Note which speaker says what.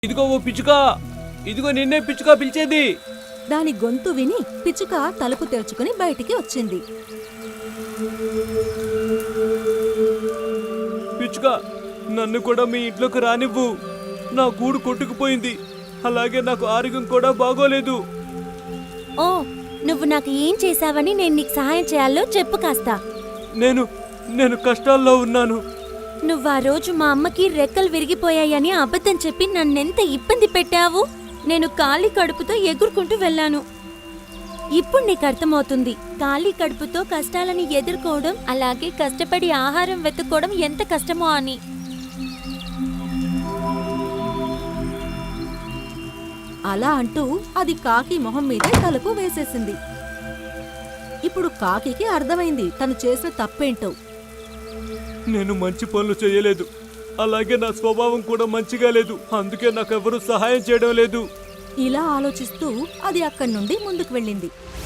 Speaker 1: ఇదిగో ఓ పిచ్చుక, ఇదిగో నిన్నే పిచ్చుక పిలిచేది.
Speaker 2: దాని గొంతు విని పిచ్చుక తలుపు తెరుచుకుని బయటికి వచ్చింది.
Speaker 1: పిచ్చుక, నన్ను కూడా మీ ఇంట్లోకి రానివ్వు. నా గూడు కొట్టుకుపోయింది, అలాగే నాకు ఆరోగ్యం కూడా బాగోలేదు.
Speaker 3: ఓ, నువ్వు నాకు ఏం చేశావని నేను నీకు సహాయం చేయాలో చెప్పు కాస్త.
Speaker 1: నేను కష్టాల్లో ఉన్నాను.
Speaker 3: నువ్వా రోజు మా అమ్మకి రెక్కలు విరిగిపోయాయని అబద్ధం చెప్పి నన్నెంత ఇబ్బంది పెట్టావు. నేను ఖాళీ కడుపుతో ఎగురుకుంటూ వెళ్ళాను. ఇప్పుడు నీకు అర్థమవుతుంది ఖాళీ కడుపుతో కష్టాలని ఎదుర్కోవడం, అలాగే కష్టపడి ఆహారం వెతుక్కోవడం ఎంత కష్టమో అని.
Speaker 2: అలా అంటూ అది కాకి మొహం మీదే తలుపు వేసేసింది. ఇప్పుడు కాకికి అర్థమైంది తను చేసిన తప్పేంటో.
Speaker 1: నేను మంచి పనులు చేయలేదు, అలాగే నా స్వభావం కూడా మంచిగా లేదు, అందుకే నాకెవరూ సహాయం చేయడం లేదు.
Speaker 2: ఇలా ఆలోచిస్తూ అది అక్కడి నుండి ముందుకు వెళ్ళింది.